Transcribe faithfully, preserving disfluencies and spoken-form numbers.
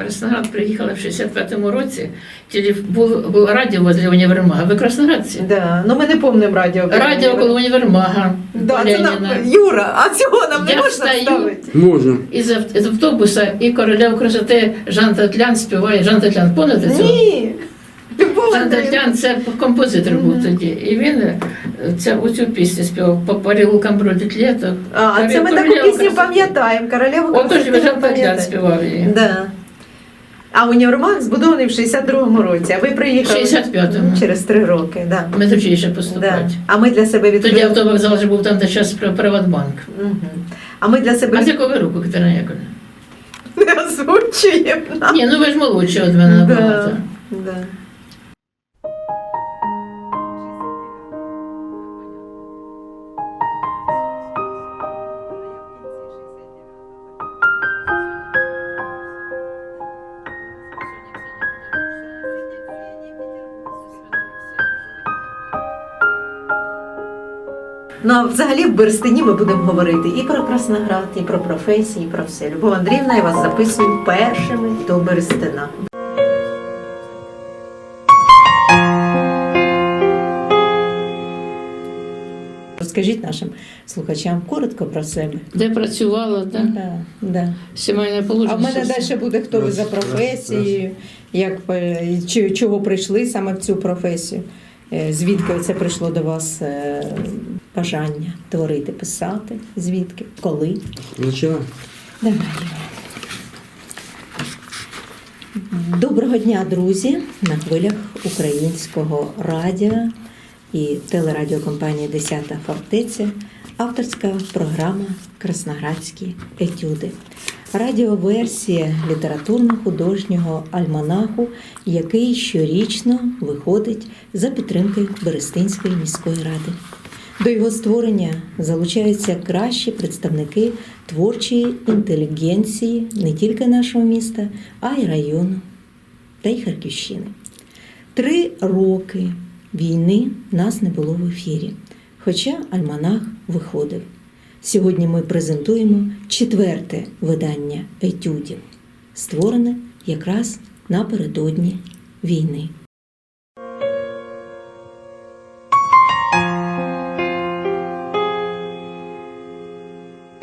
Красноград приїхала в шістдесят п'ятому році, було, було радіо возле універмага. Ви красноградці? Да. Ну ми не пам'ятаємо радіо. Радіо коло універмага. Да, це нам, Юра, а цього нам не Я можна встаю, ставити? Можна. Із, ав- з автобуса і королев красоти Жан Татлян співає. Жан Татлян, пам'ятаєте цього? Ні. Любов Жан Андріївна. Татлян це композитор був Мгм. тоді. І він е, це, оцю пісню співав «По переулкам бродить літо». А, це ми таку Королева пісню красоти. пам'ятаємо. Королеву Отож красоти Жан Татлян пам'ятаємо. співав її. Да. А універмаг збудований в шістдесят другому році, а ви приїхали шістдесят п'ятому. через три роки. Да. Ми тоді ще Да. поступати. А ми для себе Тоді відкрили. автовокзал вже був там, де зараз Приватбанк. Мгм. А ми для себе А з якого ви року, Катерина Яковлевна? не озвучуємо. нам. Ні, ну ви ж молодші від мене Да. набагато. Да. Ну, а взагалі в Берестині ми будемо говорити і про Красноград, і про професії, і про все. Любов Андріївна, я вас записую першими до Берестина. Розкажіть нашим слухачам коротко про себе. Де працювала, да? Да, да. Сімейне положення. А в мене все. далі буде, хто ви за професією, як, е, чи, чого прийшли саме в цю професію, Е, звідки це прийшло до вас е, бажання творити, писати, звідки, коли. Почала. Давай. Доброго дня, друзі, на хвилях українського радіо і телерадіокомпанії «Десята фортеця», авторська програма «Красноградські етюди». Радіоверсія літературно-художнього альманаху, який щорічно виходить за підтримки Берестинської міської ради. До його створення залучаються кращі представники творчої інтелігенції не тільки нашого міста, а й району та й Харківщини. Три роки війни нас не було в ефірі, хоча альманах виходив. Сьогодні ми презентуємо четверте видання етюдів, створене якраз напередодні війни.